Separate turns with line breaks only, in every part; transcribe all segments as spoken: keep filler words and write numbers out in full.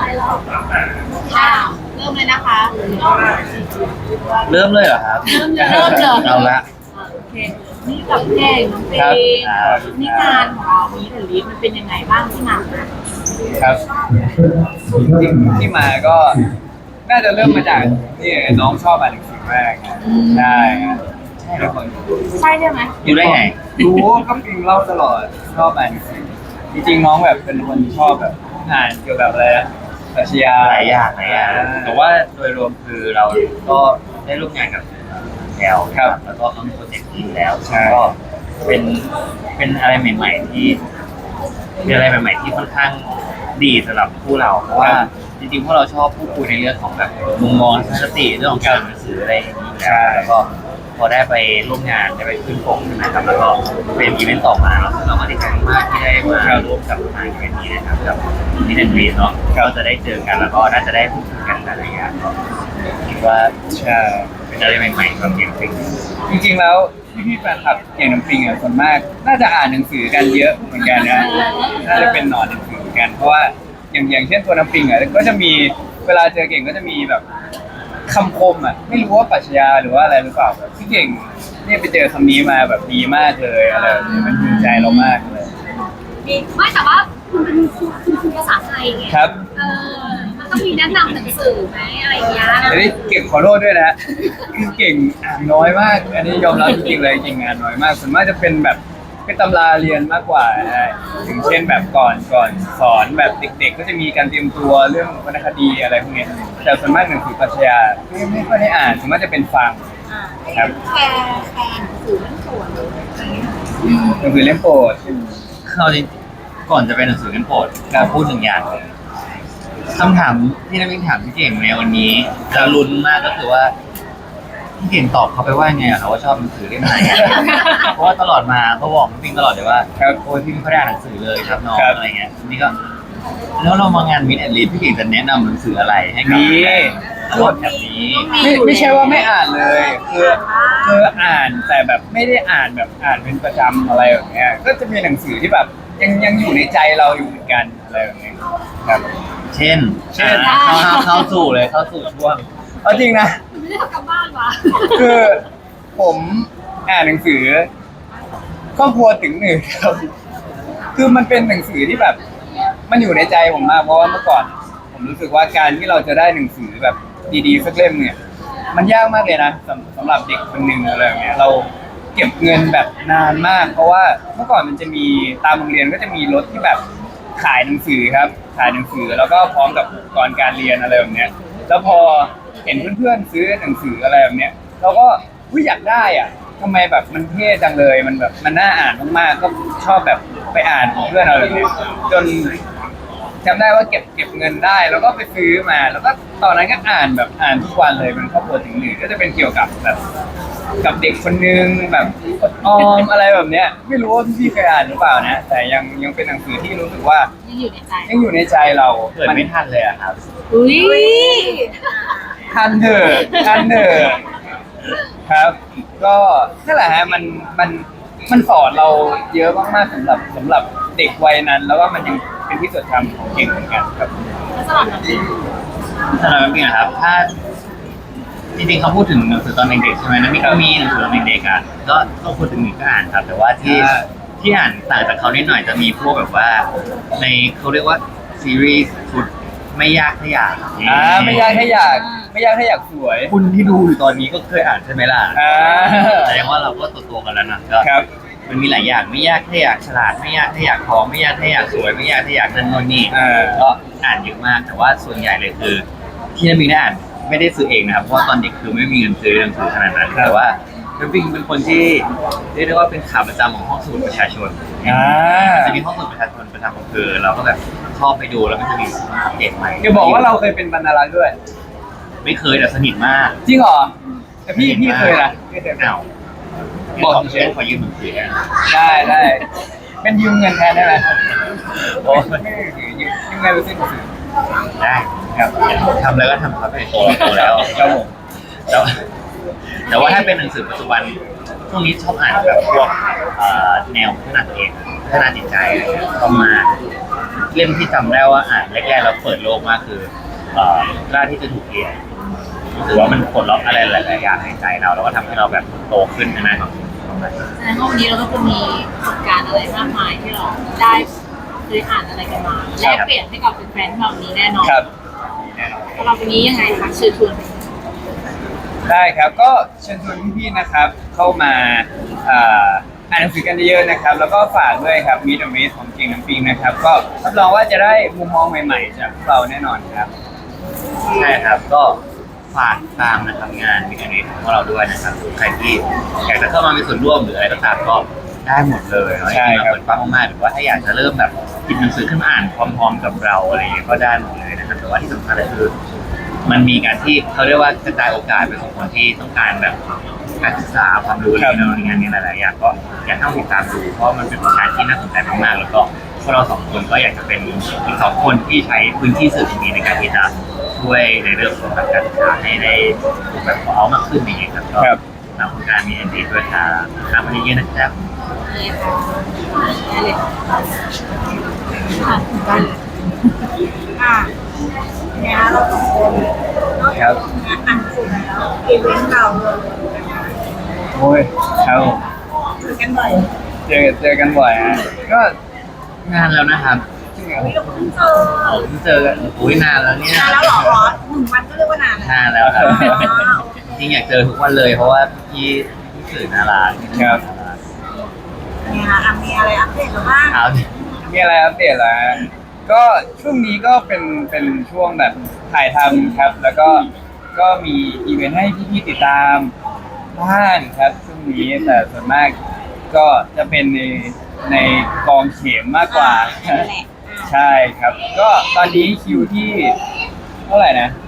อ่าเริ่มเลยนะคะ
เริ่มเลยเหรอครับ
เริ่มเลยเริ่มเลย
เอาละ
โอเคนี่กับเพลงน้องเพล
ครับ
งนี่งานของเรามีเดลิฟมันเป็นยังไงบ้างที่มาคะ
ครับที่ที่มาก็น่าจะเริ่มมาจากที่น้องชอบอ่านหนังสือมากนะใช่ครับใช่แล้วคน
ใช่ใช่ไหม
อยู่ได้ไง
รู้ก็ปิงเล่าตลอดชอบอ่านหนังสือจริงๆน้องแบบเป็นคนชอบแบบอ่านเกี่ยวกับอะไรนะปรัชญา
หลายอย่างหลายอย่างแต่ว่าโดยรวมคือเราก็ได้ร่วมงานกับแล้วครับแล้วก็เขามีโปรเจกต์นี้แล้วก็เป็นเป็นอะไรใหม่ๆที่เป็นอะไรใหม่ๆที่ค่อนข้างดีสำหรับผู้เราเพราะว่าจริงๆพวกเราชอบพูดคุยในเรื่องของแบบมุมมองทัศนคติเรื่องของการอ่านหนังสืออะไรอย่างนี้อยู่แล้วแล้วก็พอได้ไปร่วมงานได้ไปขึ้นปกนะครับแล้วก็เป็นอีเวนต์ต่อมาแล้วเราก็ดีใจมากที่ได้มาร่วมกับทางอีเวนต์นี้นะครับกับมิสแอนด์กรีนเนาะก็จะได้เจอกันแล้วก็น่าจะได้พูดคุยกันอะไรอย่างเงี้ยก็คิดว่า
ใช่
เป็นอะไรใหม่ๆสำหรับเกมฟรี
จริงๆแล้วพี่ๆแฟนคลับเก่งน้ำปิงอ่ะส่วนมาก น่าจะอ่านหนังสือกันเยอะเหมือนกันนะน่าจะเป็นหนอนหนังสือเหมือนกันเพราะว่าอย่างอย่างเช่นตัวน้ำปิงอ่ะก็จะมีเวลาเจอเก่งก็จะมีแบบคำคมอ่ะไม่รู้ว่าปรัชญาหรือว่าอะไรหรือเปล่าแบบที่เก่งเนี่ยไปเจอคำนี้มาแบบดีมากเลยอะไรแบบนี้มันภูมิใจเรามากเลย
มีไม่แต่ว่าคุณเป็นครูคุณครูภาษาไทยไง
ครับ
เออมันต้องมีแนะนำหนังสือไหมอะไรอย่างเงี้ย
อันนี้เก่งขอโทษด้วยนะคือเก่งอ่านน้อยมาก อันนี้ยอมรับจริงๆเลยเก่งอ่านน้อยมากส่วนมากจะเป็นแบบเป็นตำราเรียนมากกว่านะอย่างเช่นแบบก่อนก่อนสอนแบบเด็กๆ ก็จะมีการเตรียมตัวเรื่องวรรณคดีอะไรพวกเนี้ยแต่ส่วนมากหนังสือปรัชญาไม่ไม่ค่อยได้อ่านส่วนมากจะเป็นฟัง
อ่า
ครับ
แชร์แชร์หนังสือเรื่องส่วนอะไรเงี้ย
หนังสือเล่มโปรด
เราจริงก่อนจะเป็นหนังสือกันโปรดเราพูดหนึ่งอย่างเลยคำถามที่นักวิทยาถามพี่เก่งในวันนี้จะลุ้นมากก็คือว่าพี่เก่งตอบเขาไปว่าไงอะเขาว่าชอบหนังสือเล่มไหนอะเพราะว่าตลอดมาเขาบอกพี่ตลอดเลยว่าโอ้ยพี่ไม่ค่อยได้อ่านหนังสือเลยครับน้องอะไรเงี้ยนี่ก็แล้วเรามางานมิดแอนด์ลีดพี่เก่งจะแนะนำหนังสืออะไรให้กับ
มี
รถแบบนี้
ไม่ไม่ใช่ว่าไม่อ่านเลยคือคืออ่านแต่แบบไม่ได้อ่านแบบอ่านเป็นประจำอะไรแบบเนี้ยก็จะมีหนังสือที่แบบยังยังอยู่ในใจเราอยู่เหมือนกันอะไรแบบเนี้ยครับ
เช่น
เช่น
อ่าเข้าเข้าเข้าสู่เลยเข้าสู่ช่วง
เอาจริงนะ
ไม่ได้ทำกันบ้านวะ
คือผมอ่านหนังสือครอบครัวถึงหนึ่งครับ คือมันเป็นหนังสือที่แบบ มันอยู่ในใจผมมากเพราะว่าเมื่อก่อน ผมรู้สึกว่าการที่เราจะได้หนังสือแบบดีๆสักเล่มเนี่ย มันยากมากเลยนะสำสำหรับเด็กคนหนึ่งอะไรแบบเนี้ยเราเก็บเงินแบบนานมาก เพราะว่าเมื่อก่อนมันจะมีตามโรงเรียนก็จะมีรถที่แบบขายหนังสือครับ ขายหนังสือแล้วก็พร้อมกับอุปกรณ์การเรียนอะไรแบบเนี้ย แล้วพอเห็นเพื่อนๆซื้อหนังสืออะไรแบบเนี้ยเราก็วิอยากได้อ่ะทำไมแบบมันเท่จังเลยมันแบบมันน่าอ่านมากๆก็ชอบแบบไปอ่านของเพื่อนอะไรแบบเนี้ยจนจำได้ว่าเก็บเก็บเงินได้ แล้วก็ไปซื้อมา แล้วก็ตอนนั้นก็อ่านแบบอ่านทุกวันเลยเป็นครอบครัวถึงหนึ่งก็จะเป็นเกี่ยวกับแบบกับเด็กคนนึงแบบอดออมอะไรแบบเนี้ย ไม่รู้ว่าพี่ๆเคยอ่านหรือเปล่านะ แต่ยังยังเป็นหนังสือที่รู้สึกว่า
ยังอยู่ในใจ
ยังอยู่ในใจเรา
เกิดไม่ทันเลยอะครับ
อุ้ย
ทันเถอะทันเถอะครับ ก็นั่นแหละฮะมันมันมันสอนเราเยอะมากๆสำหรับสำหรับเด็กวัยนั้น แล้วก็มันยังเป็นที่จดจำของเก่งเหมือนกันครับ
แล้วสำหรับน้องปิง
สำหรับน้ำปิงอะครับถ้าจริงๆเขาพูดถึงหนังสือตอนเด็กๆใช่ไหมน้ำปิงก็มีหนังสือตอนเด็กๆอ่ะก็ก็พูดถึงหนึ่งก็อ่านครับ แต่ว่าที่
อ่า
ที่อ่านต่างจากเขานิดหน่อยจะมีพวกแบบว่า ในเขาเรียกว่าซีรีส์ชุดไม่ยากถ้าอยาก
อ่าไม่ยากถ้าอยากไม่ยากถ้าอยากสวย
คุณที่ดูอยู่ตอนนี้ก็เคยอ่านใช่ไหมล่ะ
อ่า
แสดงว่าเราก็โตๆกันแล้วนะก็
ครับ
มันมีหลายอย่างไม่ยากถ้าอยากฉลาดไม่ยากถ้าอยากพร้อมไม่ยากถ้าอยากสวยไม่ยากถ้าอยากนั่นโน่นนี่
อ่า
ก็อ่านเยอะมากแต่ว่าส่วนใหญ่เลยคือที่น้ำปิงได้อ่านไม่ได้ซื้อเองนะครับเพราะว่าตอนเด็กคือไม่มีเงินซื้อหนังสือขนาดนั้นแต่ว่าน้ำปิงเป็นคนที่เรียกได้ว่าเป็นขาประจำของห้องสมุดประชาชน
อ่า
จะมีห้องสมุดประชาชนประจำของคือเราก็แบบชอบไปดูแล้วก็จะมีอัปเดตใหม่
จะบอกว่าเราเคยเป็นบรรณารักษ์ด้วย
ไม่เคยแต่สนิทมาก
จริงเหรอแต่พี่พี่เคยนะพี่เคยเป็น
อ้าวบอกเชฟขอยืมหนังสือนะ
ได้ได้เป็นยืมเงินแทนได้ไหม
โอ้
ไม่ได้ถือยืมยืมเงินไปซื้อหนังสือ
ได้ครับทำแล้วก็ทำครับไปโตโตแล้ว
ครับผม
แต่ว่าแต่ว่าถ้าเป็นหนังสือปัจจุบันช่วงนี้ชอบอ่านแบบพวกเอ่อแนวพัฒนาตัวเองพัฒนาจิตใจอะไรเงี้ยเข้ามาเล่มที่จำได้ว่าอ่านแรกๆแล้วเปิดโลกมากคือเอ่อกล้าที่จะถูกเรียนรู้สึกว่ามันปลดล็อกอะไรหลายๆอย่างในใจเราแล้วก็ทำให้เราแบบโตขึ้นใช่ไหมครับ
แสดงว่าวันนี้เราก็จะมีประสบการณ์อะไรมากมายที่เราได้เคยอ่านอะไรกันมาแลกเปลี่ยนให้กับแฟนๆที่เรานี้แน่นอน
ครับ
สำหรับวันนี้ยังไงคะเชิญชวน
ได้ครับก็เชิญชวนพี่ๆนะครับ เข้ามาอ่าอ่านหนังสือกันเยอะๆนะครับ แล้วก็ฝากด้วยครับมีดอมิสของเก่งน้ำปิงนะครับ ก็รับรองว่าจะได้มุมมองใหม่ๆจากพวกเราแน่นอนครับ
ใช่ครับก็ฝากตามนะครับงานวิทยานิตของเราด้วยนะครับใครที่อยากจะเข้ามามีส่วนร่วมหรืออะไรก็ตามก็ได้หมดเลยเนาะ
ใช่
ที่
ครับ
มาเปิดฟังมากๆหรือว่าถ้าอยากจะเริ่มแบบหยิบหนังสือขึ้นมาอ่านพร้อมๆกับเราอะไรอย่างเงี้ยก็ได้หมดเลยนะครับแต่ว่าที่สำคัญเลยคือ มันมีการที่เขาเรียกว่ากระจายโอกาสไปสู่คนที่ต้องการแบบการศึกษาความรู้อะไรเนาะในงานนี้หลายๆอย่างก็อยากให้ติดตามดูเพราะมันเป็นงานที่น่าสนใจมากๆแล้วก็พวกเราสองคนก็อยากจะเป็นอีกสองคนที่ใช้พื้นที่สื่อตรงนี้ในการที่จะช่วยในเรื่องของการศึกษาให้ได้แบบเอามากขึ้นอย่างเงี้ยครับก็
ครับ
ทางโครงการมีเอ็นดีด้วยครับทำมาเยอะๆนะครับ
นี่ค่ะได้เลยค่ะได้เลยอ่ะเนี่ยเราสองคนนอก
ครั
จาก
บ
งานอ่านสุดแล้วอีเวนต์เราเรา
โอ้ยครับ
เจอกันบ่อย
เจอเจอกันบ่อยฮะก็
งานแล้วนะครับ
จริงเหรอ
ไม่เราเพิ่งเจอ
ผมเจอกันอุ้ยนานแล้วเนี่ย
นานแล้วเหรอหนึ่งวันก็เรียกว่านานแล้ว
นานแล้วครับ
อ๋อโอเค
จริงอยากเจอทุกวันเลยเพราะว่าพี่พี่สื่อน่ารัก
ครับ
เนี่ยอ่ะมีอะไรอัปเดตหรือบ้าง
เอาดิ
มีอะไรอัปเดตเหรอฮะก็ช่วงนี้ก็เป็นเป็นช่วงแบบถ่ายทำครับ แล้วก็ก็มีอีเวนต์ให้พี่ๆติดตามบ้างครับช่วงนี้แต่ส่วนมากก็จะเป็นในในกองเข็มมากกว่า
นั่นแหละ
ใช่ครับ ก็ตอนนี้คิวที่เท่าไหร่นะ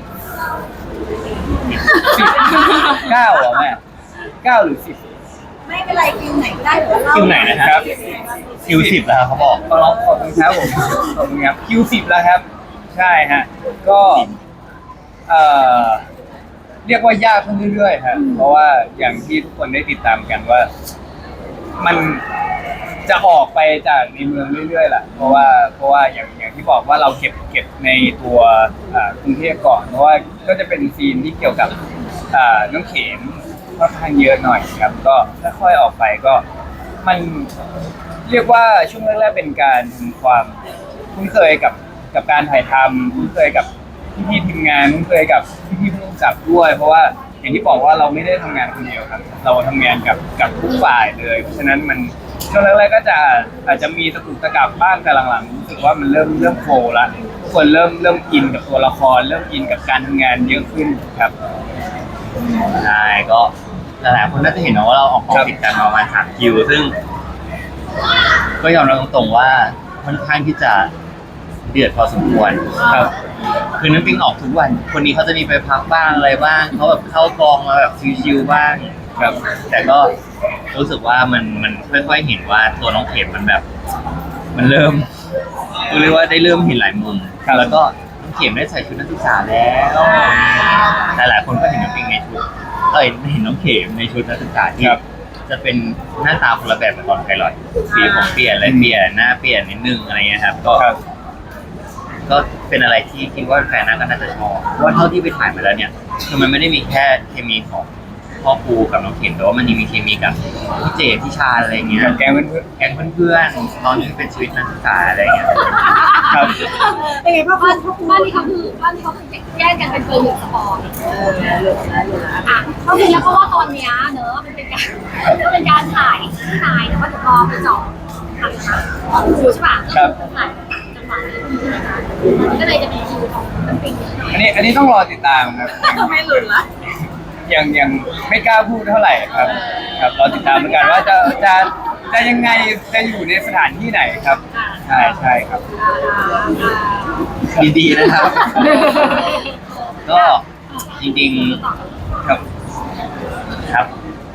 สิบเก้าเหรอแม่เก้าหรือสิบ
ไม่เป็นไรคิวไหนก็ได้เดี๋ยวเรา
คิวไหนนะครับ คิวสิบแล้วครับเขาบอก
ขอบขอบคุณครับผมขอบคุณครับคิวสิบแล้วครับ ใช่ฮะก็เอ่อเรียกว่ายากขึ้นเรื่อยๆครับเพราะว่าอย่างที่ทุกคนได้ติดตามกันว่า มันจะออกไปจากในเมืองเรื่อยๆแหละเพราะว่าเพราะว่าอย่างอย่างที่บอกว่าเราเก็บเก็บในตัวอ่ากรุงเทพก่อนเพราะว่าก็จะเป็นซีนที่เกี่ยวกับอ่าน้องเข็มค่อนข้างเยอะหน่อยครับ ก็ค่อยๆออกไปก็มันเรียกว่าช่วงแรกๆเป็นการทำความคุ้นเคยกับกับการถ่ายทำคุ้นเคยกับพี่ๆทีมงานคุ้นเคยกับพี่ๆผู้กำกับด้วย เพราะว่าอย่างที่บอกว่าเราไม่ได้ทำงานคนเดียวครับ เราทำงานกับกับทุกฝ่ายเลย เพราะฉะนั้นมันช่วงแรกๆก็จะอาจจะมีตะกุกตะกักบ้างแต่หลังๆรู้สึกว่ามันเริ่มเริ่มโฟล์ละทุกคนเริ่มเริ่มอินกับตัวละคร เริ่มอินกับการทำงานเยอะขึ้นครับ
ใช่ก็หลายๆคนน่าจะเห็นนะว่าเราออกกองติดกันประมาณสามคิว ซึ่ง ก็ยอมรับตรงๆว่าค่อนข้างที่จะเดือดพอสมควร
ครับ
คือน้ำปิงออกทุกวัน คนนี้เขาจะมีไปพักบ้างอะไรบ้างเขาแบบเข้ากองมาแบบชิวๆบ้าง
ครับ
แต่ก็รู้สึกว่ามันมันค่อยๆเห็นว่าตัวน้องเข็มมันแบบ มันเริ่มเรียกว่าได้เริ่มเห็นหลายมุม
ครับ
แล้วก็น้องเข็มได้ใส่ชุดนักศึกษาแล้วหลายๆคนก็เห็นน้องปิงในชุดเอ้ยเห็นน้องเข็มในชุดนักศึกษาที่
ครับ
จะเป็นหน้าตาคนละแบบกับตอนไพลอตสีผมเปลี่ยนอะไรเปลี่ยนหน้าเปลี่ยนนิดนึงอะไรเงี้ยครับก็
ครับ
ก็เป็นอะไรที่คิดว่าแฟนน่าก็น่าจะชอบเพราะว่าเท่าที่ไปถ่ายมาแล้วเนี่ยคือมันไม่ได้มีแค่เคมีของพ่อปูกับน้องเข็มแต่ว่ามันยังมีเคมีกับพี่เจพี่ชาอะไรเงี้ย
กับแกงเพื่อน
แก๊งเพื่อนๆตอนนี้เป็นชีวิตนักศึกษาอะไรเงี้ย
ๆครับ
เป็นไงพ่อ
บ้าน
พ่อ
บ้านนี้เขาคือบ้านนี้เขาคือแยกกันเป็นเบอร์หนึ่งสปอร์ต
เออเหลือเหลือเหลือ
อ่ะเขาคือแล้วเพราะว่าตอนเนี้ยเนอะมันเป็นการมันเป็นการถ่ายที่นายแต่ว่าเดี๋ยวพอไปเจาะถ่ายนะตอนคิวใช่ป่ะ
ครับ
ถ่ายจังหวะนี้ก็เลยจะมีคิวของน้ำปิงนิดหน่อย
อันนี้อันนี้ต้องรอติดตามครับ
ไม่หลุดละ
ยังยังไม่กล้าพูดเท่าไหร่ครับ ครับรอติดตามเหมือนกันว่าจะจะจะยังไงจะอยู่ในสถานที่ไหนครับ ใช่ใช่ครับ
ดีๆนะครับ ก็จริงๆ
ครับ
ครับ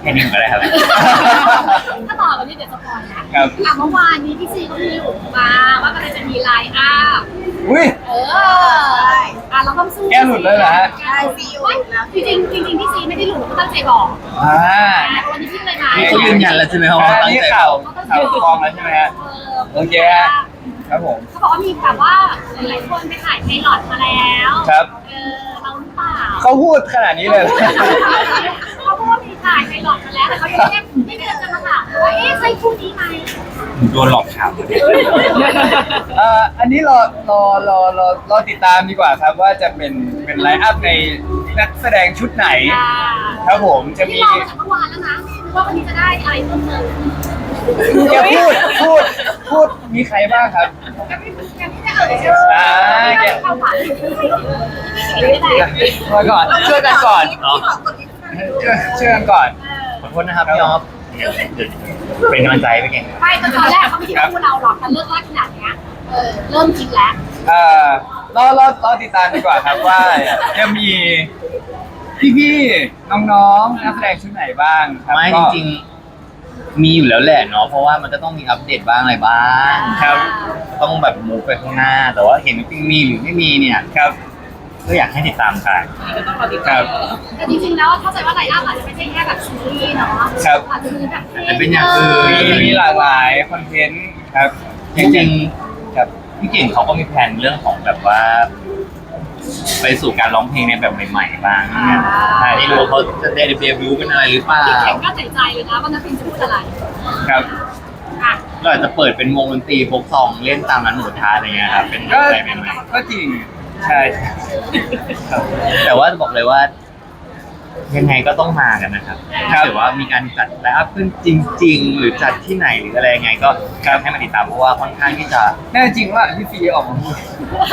ค่นี้ก็ได้ครับ
ถ้าต่อกันนี่เดี๋ยวจะปล่อยนะครับ อ่ะเมื่อวานนี้พี่ซีก็มีหลุดมาว่ากำลังจะมีไลน์อัพ
อุ้ย
เอออ่ะเราต้องสู้
แกหลุดเลยเหรอฮะ
ใช่ซีหลุดแล้วจริงๆจริงๆพี่ซีไม่ได้หลุดเขาตั้งใจบอก
อ่า
แต่วันนี้พี่เลยมา
นี่เขายืนยันแล้วใช่ไหมครับว่า
อัน
ตั้ง
นี้
ใจ
ข่าวข่าวกองแล้วใช่ไหมฮะ
เออ
โอเคฮะ ครับผม
เขาบอกว่ามีแบบว่าหลายๆคนไปถ่ายไพลอตมาแล้ว
ครับ
เออเราหรือเปล่า
เขาพูดขนาดนี้เลยเหรอ
เขาพูดว่ามีถ่ายไพลอตมาแล้วแต่เขายังไม่ได้ไม่ได้จะมาถามว่าเอ๊ะใช่คู่นี้ไหม
โดนหลอกถาม
เอ่ออันนี้รอรอรอรอรอติดตามดีกว่าครับว่าจะเป็นเป็นไลน์อัพในนักแสดงชุดไหน
อ่า
ครับผมจะมี
ที่รอมาจากเมื่อวานแล้วนะว่าวันนี้จะได้อะไรเพิ่มเติม
แกพูดพูดพูดมีใครบ้างครับ
ยังไม่ยังไม่ได้เอ่ยชื่อ
อ่าแก
เข้าฝันไม่ได้
มาก่อนช่วยกันก่อน
อ๋อ
ช่วยช่วยกันก่อน
ขอโทษนะครับพี่ออฟเป็นกำลังใจไปเก่ง
ไม่ตอนแรกเขาไม่คิดว่าพูดเราหรอกแต่เลิกลากขนาดเนี้ยเออเริ่มคิดแล้ว
เอ่อรอรอรอติดตามดีกว่าครับว่าจะมีพี่ๆน้องๆนักแสดงชุดไหนบ้างครับ
ไม่จ
ก็
ริงๆมีอยู่แล้วแหละเนาะเพราะว่ามันก็ต้องมีอัปเดตบ้างอะไรบ้าง
ครับ
ต้องแบบมูฟไปข้างหน้า แต่ว่าเห็นจริงมีหรือไม่มีเนี่ย
ครับ
ก็อยากให้ติดตามกัน
ครับ
แต่จริงๆแล้วเข้าใจว่าไลน์อัพอาจจะไม่ใช่แค่แบบซีรีส์เนาะ
ครับ
อาจจะมีแบบ
อาจจะเป็นอย่างอื่น
มีมีหลากหลายคอนเทนต์ครับ
จริง
ครับ
ๆพี่เก่งเขาก็มีแผนเรื่องของแบบว่า ไปสู่การร้องเพลงในแบบใหม่ๆบ้างเนี่ยแต่ที่รู้ว่าเขาจะได้เดบิวต์เป็นอะไรหรือเปล่า
พี่เก่งก็ใจใจเลยนะว่านักบินจะพูดอะไร
ครับ
อ่ะ
ก็อาจจะเปิดเป็นวงดนตรีโฟกซองเล่นตามร้านหมูกระทะอะไรเงี้ยครับเป็น
ก็
อะไรใหม่
ก็จริงใช่ครับ
ๆแต่ว่าจะบอกเลยว่า ยังไงก็ต้องมากันนะครับถ้าเกิดว่ามีการจัดไลฟ์อัพขึ้นจริง ๆ หรือจัดที่ไหนหรืออะไรยังไง ก็ครับให้มาติดตามเพราะว่าค่อนข้างที่จะ
แน่จริงว่าพี่ฟีออกมาพูด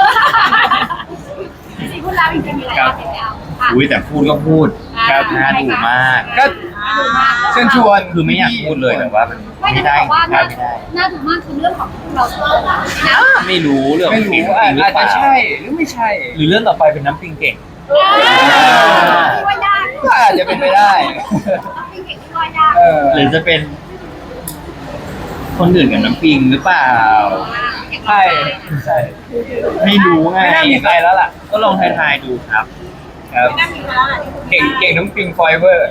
จริงๆพูดแล้วจริงๆมีไลน์อัพแล้วอ่ะ
อุ้ยแต่พูดก็พูด
ครับ
น่าดูมาก
ก็
ดูมาก
เชิญชวน
คือไม่อยากพูดเลยแต่ว่ามัน
ไม่
ไม่
ได้
ได้
บอกว่า
ครั
น่า
บไม่ได้
น่าดูมากคือเรื่องของเราชอบนะ
ไม่รู้เรื่อง
ไม่
เพลง
รู้
จ
อา
ริงหรือ
อาจ
เป
จะ
ล่า
ใช่หรือไม่ใช่
หรือเรื่องต่อไปเป็นน้ำปิงเก่ง
ที่ว่ายาก
ก็อาจจะเป็นไปได้
ต้องเป็นเก่งที่ว่ายาก
เออ
หรือจะเป็น คนอื่นกับน้ำปิงหรือเปล่า
ใช่ใช่
ไม่รู้ไง
ไม่น่ามีใครแล้วล่ะ
ก็ลองทายๆดูครับ
ครับ
ไม่น่ามีแล้วอ่ะ
เก่งเก่งน้องปิงฟอยเวอร์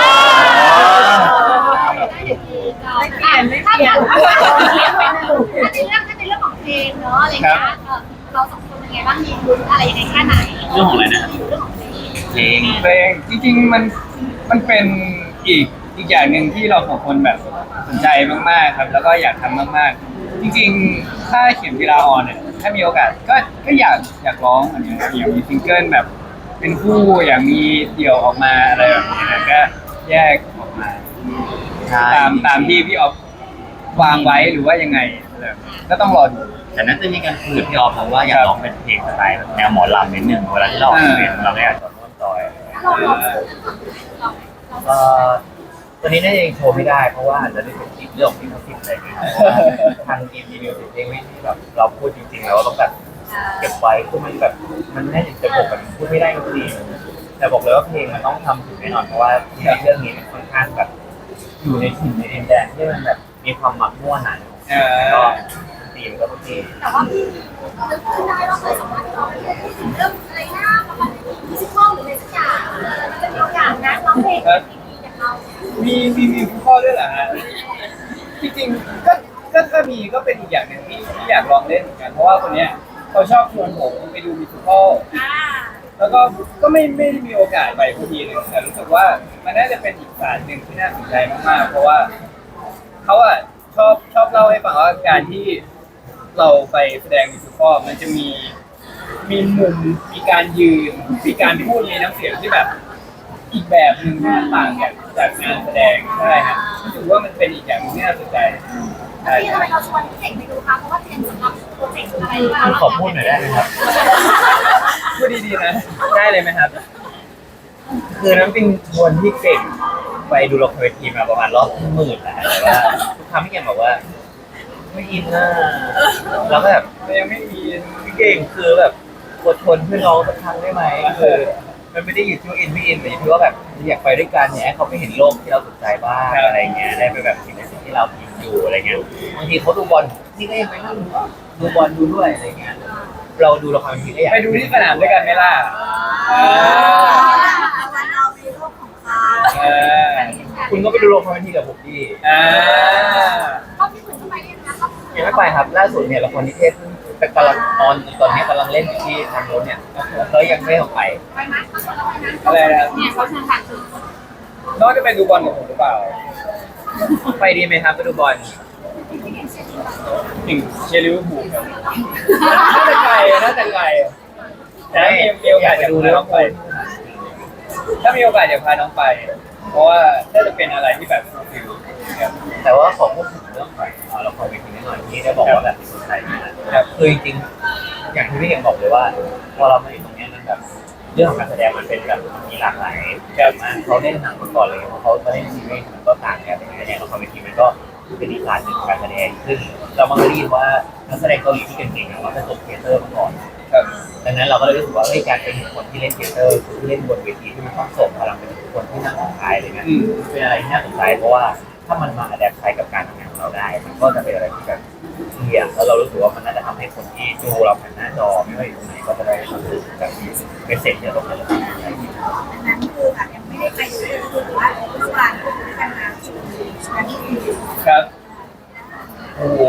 ถ้าเกิดถ้าในเรื่องถ้าในเรื่องของเพลงเนาะอะไรเงี้ยเราสองคนเป็นไงบ้างมีลุ้นอะไรยังไงแค่ไหน
เรื่องของอะไรนะ
เรื่องของเพลง
เพลง
เพลงจริงๆมันมันเป็นอีกอีกอย่างหนึ่งที่เราสองคนแบบสนใจมากๆครับ แล้วก็อยากทำมากๆ จริงๆ ถ้าเขียนกีฬาออนเนี่ยถ้ามีโอกาสก็ก็อยากอยากร้องอันนี้อยากมีซิงเกิลแบบ เป็นคู่อยากมีเดี่ยวออกมาอะไรแบบนี้นะก็แยกออกมา
ใช่
ตามตามที่พี่ออฟวางไว้หรือว่ายังไงอะไรแบบนี้ก็ต้องรอดู
แต่น่าจะมีการคุยกับพี่ออฟเพราะว่าอยากร้องเป็นเพลงสไตล์แบบแนวหมอลำนิดนึงเวลาที่เราออกเพลงเราก็อยากจะร่วมจอย
เราเราเรา
ก็ตอนนี้น่าจะยังโชว์ไม่ได้เพราะว่าอาจจะได้เป็นคลิปเรื่องของลิขสิทธิ์อะไรอย่างเงี้ยเพราะว่าทางทีมรีวิวเพลงไม่ที่แบบเราพูดจริงๆแล้วเราต้องแบบเก็บไว้คือมันแบบมันแน่จะบอกแบบพูดไม่ได้จริงๆแต่บอกเลยว่าเพลงมันต้องทำถึงแน่นอนเพราะว่าในเรื่องนี้มันค่อนข้างแบบอยู่ในถิ่นในดินแดนที่มันแบบมีความหมักมั่วหนา
เออ
ก็ตีมก็ต้องตี
แต่ว่าพี่นึกขึ้นได้ว่าเคยสัมภาษณ์เราเรื่องอะไรนะประมาณมิวสิคอลหรืออะไรสักอย่างมันจะมีโอกาสนะร้องเพลงอย่างเรา
มีมีมีคุณพ่อด้วยเหรอฮะจริงๆก็ก็ถ้ามีก็เป็นอีกอย่างหนึ่งที่ที่อยากลองเล่นเหมือนกันเพราะว่าคนเนี้ยเขาชอบชวนผมไปดูมิวสิคอล
อ่า
แล้วก็ก็ไม่ไม่ได้มีโอกาสไปพอดีนึงแต่รู้สึกว่ามันน่าจะเป็นอีกศาสตร์หนึ่งที่น่าสนใจมากๆ เพราะว่าเขาอะชอบชอบเล่าให้ฟังว่าการที่เราไปแสดงมิวสิคอลมันจะมีมีมุมมีการยืนมีการพูดมีน้ำเสียงที่แบบ อีกแบบหนึ่งที่มันต่างจากจากงานแสดงใช่ครับรู้สึกว่ามันเป็นอีกอย่างหนึงที่น่าสนใจใช่
พี่ทำไมเราชวนพี่เจ๋งไปดูคะเพราะว่าเตรียมสำหรับโปรเจกต์อะไรบ้าง
ขอพูดหน่อยได้ไหมครับ
พูดดีๆนะได้เลยไหมครับ
คือน้ำปิงชวนที่เก่งไปดูละครเวทีมาประมาณรอบหมื่นแล้วแต่ว่าทุกครั้งที่เก่งบอกว่า ไม่อินน่ะแล้วก็แบบ
แต่ยังไม่มี
พี่เก่งคือแบบอดทนเพื่อน้องสักครั้งได้ไหมคือมันไม่ได้อยู่ที่ว่าอินไม่อินแต่อยู่ที่ว่าแบบอยากไปด้วยกันเนี่ยให้เขาไปเห็นโลกที่เราสนใจบ้างอะไรเงี้ยได้ไปแบบสิ่งในสิ่งที่เราอินอยู่อะไรเงี้ยบางทีเขาดูบอลนี่ก็ยังไปนั่งดูบอลดูด้วยอะไรเงี้ยเราดูละครบางทีก็อยาก
ไปดูที่สนามด้วยกันไหมล่ะเออ
วันเราในโลกของเขา
เออ
คุณก็ไปดูละครบางทีกับผมดิ
อ่า
เขาพี่ขุนทำไมเนี่ยนะเขา
ยังไม่ไปครับล่าสุดเนี่ยละครนิเทศเพิ่งกำลังออนตอนนี้กำลังเล่นอยู่ที่ทางโน้นเนี่ยก็ยังไม่ออกไป
ไปไหมเขาชวนเราไปนะ
อะไรนะ
เนี่ยเขาเชิญผ่านคือ
น้องจะไปดูบอลกับผมหรือเปล่า
ไปดีไหมครับไปดูบอล
ถึงเชียร์ลิเวอร์พูลครับน่าจะไกลน่าจะไกลแต่ถ้ามีมีโอกาสจะดูเลยต้องไป ถ้ามีโอกาสจะพาน้องไป เพราะว่าน่าจะเป็นอะไรที่แบบฟิลครับ
แต่ว่าขอพูดถึงเรื่องของเอ่อละครเวทีนิดหน่อยที่ได้บอกว่าแบบสนใจนะครับคือจริงๆอย่างที่พี่เก่งบอกเลยว่าพอเรามาอยู่ตรงเนี้ยมันแบบเรื่องของการแสดงมันเป็นแบบมีหลากหลายแบบมากเขาเล่นหนังมาก่อนเลยเขามาเล่นซีรีส์มันก็ต่างกันแต่ในละครเวทีมันก็เป็นอีกการหนึ่งของการแสดงซึ่งเรามาได้ยินว่านักแสดงเกาหลีที่เก่งๆอะเราจะจบเทเตอร์มาก่อน
ครับ
ดังนั้นเราก็เลยรู้สึกว่าเฮ้ยการเป็นคนที่เล่นเทเตอร์ที่เล่นบนเวทีที่มันต้องส่งพลังเป็นคนที่นั่งท้ายอะไรเงี้ย
อืม
เป็นอะไรที่น่าสนใจเพราะว่าถ้ามันมาอัดแอปใช้กับการทำงานของเราได้ มันก็จะเป็นอะไรที่แบบดีอ่ะแล้วเรารู้สึกว่ามันน่าจะทำให้คนที่ดูเราผ่านหน้าจอไม่ว่าอยู่ตรงไหนก็จะได้รู้สึกแบบเป็นเสร็จเนี่ยตรงนั้นเลย
อันนั้นคือแบบยังไม่ได้ไปดูเลยคือว่าเมื่อวานก็คือกันมาชุดนั้นคือ
ครับ โอ้โห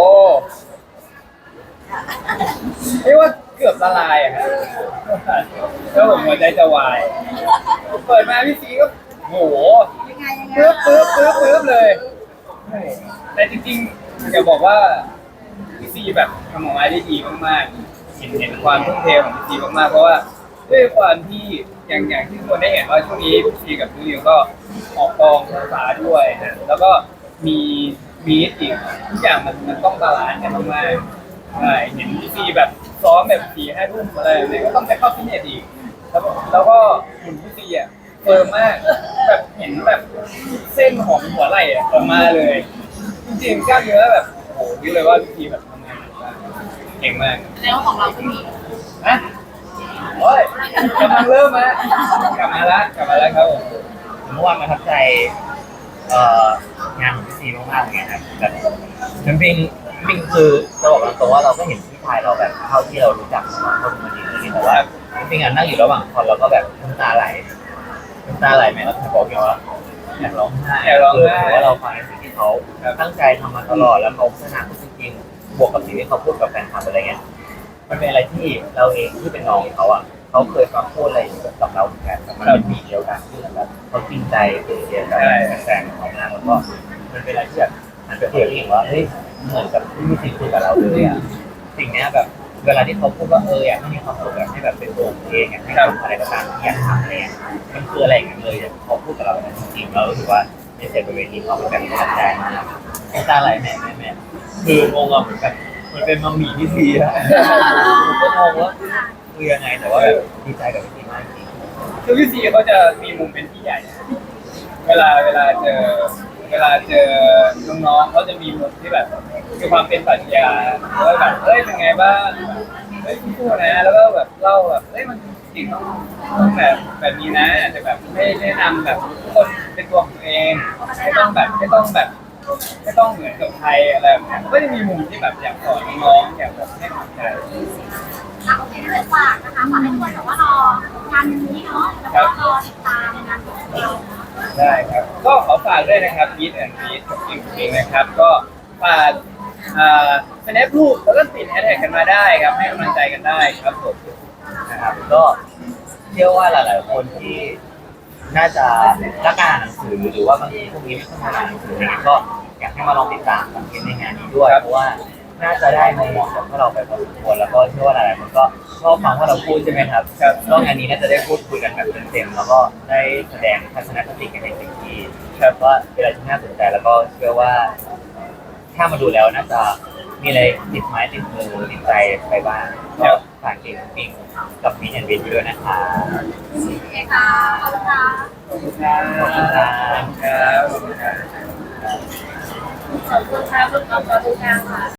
เรียกว่าเกือบละลายอะครับแล้วผมหัวใจจะวาย เปิดมาพี่ซีก็โอ้โห
ยังไงยังไง
ปึ๊บปึ๊บปึ๊บปึ๊บเลยแต่จริงๆอยากบอกว่าพี่ซีแบบทำออกมาได้ดีมากๆเห็นเห็นความทุ่มเทของพี่ซีมากๆเพราะว่าด้วยความที่อย่างอย่างที่ทุกคนได้เห็นว่าช่วงนี้พี่ซีกับพี่เลียวก็ออกกองภาษาด้วยนะแล้วก็มีมีอีกทุกอย่างมันมันต้องบาลานซ์กันมากๆใช่เห็นพี่ซีแบบซ้อมแบบสี่ห้าทุ่มอะไรแบบนี้ก็ต้องไปเข้าฟิตเนสอีกแล้วก็แล้วก็หุ่นพี่ซีอ่ะเฟิร์มมากแบบเห็นแบบเส้นของหัวไหล่อะออกมาเลย จริงๆกล้ามเนื้อแบบโอ้โหนี่เลยว่าพี่ซีแบบทำงานหนักมากเก่งมาก
แล้วของเราก็มี
นะโอ้ยกำลังเริ่มมากลับมาละกลับมาแล้วครับผม
เมื่อวานประทับใจเอ่องานของพี่ซีมากๆเลยครับแบบจริงๆจริงๆคือจะบอกตรงๆว่าเราก็เห็นพี่ชายเราแบบเท่าที่เรารู้จักมาเขาเป็นคนดีเลยแต่ว่าจริงๆอ่ะนั่งอยู่ระหว่างคอนเราก็แบบน้ำตาไหลน้ำตาไหลไหมเราเคยบอกอยู่ว่าอยากร้องไห้คือถือว่าเราฟังในสิ่งที่เขาตั้งใจทำมาตลอดแล้วเขาพัฒนาตัวจริงๆบวกกับสิ่งที่เขาพูดกับแฟนคลับอะไรเงี้ยมันเป็นอะไรที่เราเองที่เป็นน้องเขาอ่ะเขาเคยฟังพูดอะไรกับเราเหมือนกันแต่มันเป็นปีเดียวกันที่แบบเขาจริงใจเป็นเดียวกันแฟนของเขามากแล้วก็มันเป็นอะไรที่แบบมันเป็นเดียวที่เห็นว่าเฮ้ยเหมือนกับที่มีสิ่งคุยกับเราเลยอ่ะสิ่งนี้แบบเวลาที่เขาพูดว่าเอออยากให้มีความสุขแบบให้แบบเป็นตัวเองอยากให้ทำอะไรก็ตามที่อยากทำอะไรเงี้ยมันคืออะไรอย่างเงี้ยเลยเขาพูดกับเราจริงๆแล้วรู้สึกว่าในเซตบนเวทีเขาเป็นแบบประทับใจมากน้ำตาไหลแม่แม่แม่คืองงอ่ะเหมือนแบบมันเป็นมัมมี่ที่ดีอะผมก็งงว่าคือยังไงแต่ว่าแบบดีใจกับพี่มากจริง
คือพี่ซีเขาจะมีมุมเป็นพี่ใหญ่ เวลาเวลาเจอเวลาเจอน้องๆเขาจะมีมุมที่แบบมีความเป็นปรัชญาแล้วแบบเฮ้ยเป็นไงบ้างเฮ้ยพูดนะแล้วก็แบบเล่าแบบเฮ้ยมันจริงต้องต้องแบบแบบนี้นะแต่แบบไม่แนะนำแบบทุกคนเป็นตัวของตัวเองไม่ต้องแบบไม่ต้องแบบไม่ต้องเหมือนกับใครอะไรแบบนี้ก็จะมีมุมที่แบบอยากสอนน้องๆอยากแบบให้กำลังใจ
อ่ะโอเคเลยฝากนะคะฝากให้ทุกคนแบบว่ารองานนี้เนาะแล้วก็รอติดตามงานของเรา
ได้ครับ ก็ขอฝากด้วยนะครับยีดแอนด์ยีดกับอิงอิงนะครับ ก็ฝากอ่าเป็นแอปรูปแล้วก็ติดแฮชแท็กกันมาได้ครับ ให้กำลังใจกันได้ครับผม
นะครับก็เชื่อว่าหลาย ๆ คนที่น่าจะรักการอ่านหนังสือหรือว่าบางทีพวกนี้ไม่ค่อยมาอ่านหนังสืออะไรเงี้ยก็อยากให้มาลองติดตามสังเกตในงานนี้ด้วยเพราะว่าน่าจะได้มุมมองจากพวกเราไปพอสมควรแล้วก็เชื่อว่าหลาย ๆ คนก็ชอบฟังว่าเราพูดใช่ไหมครับก็งานนี้น่าจะได้พูดคุยกันแบบเต็ม ๆ แล้วก็ได้แสดงทัศนคติกันในสิ่งที่ครับว่าเป็นอะไรที่น่าสนใจแล้วก็เชื่อว่า ถ้ามาดูแล้วน่าจะมีอะไรติดไม้ติดมือติดใจไปบ้างก็ฝากเกมปิ้งกับมีแอนด์วินด้วยนะคะ
โอเคค่ะขอบคุณค่ะ
ขอบคุณครับ
ขอบคุณครับ
ครับขอบคุณครับ
ขอบคุณค่ะขอบคุณค่ะ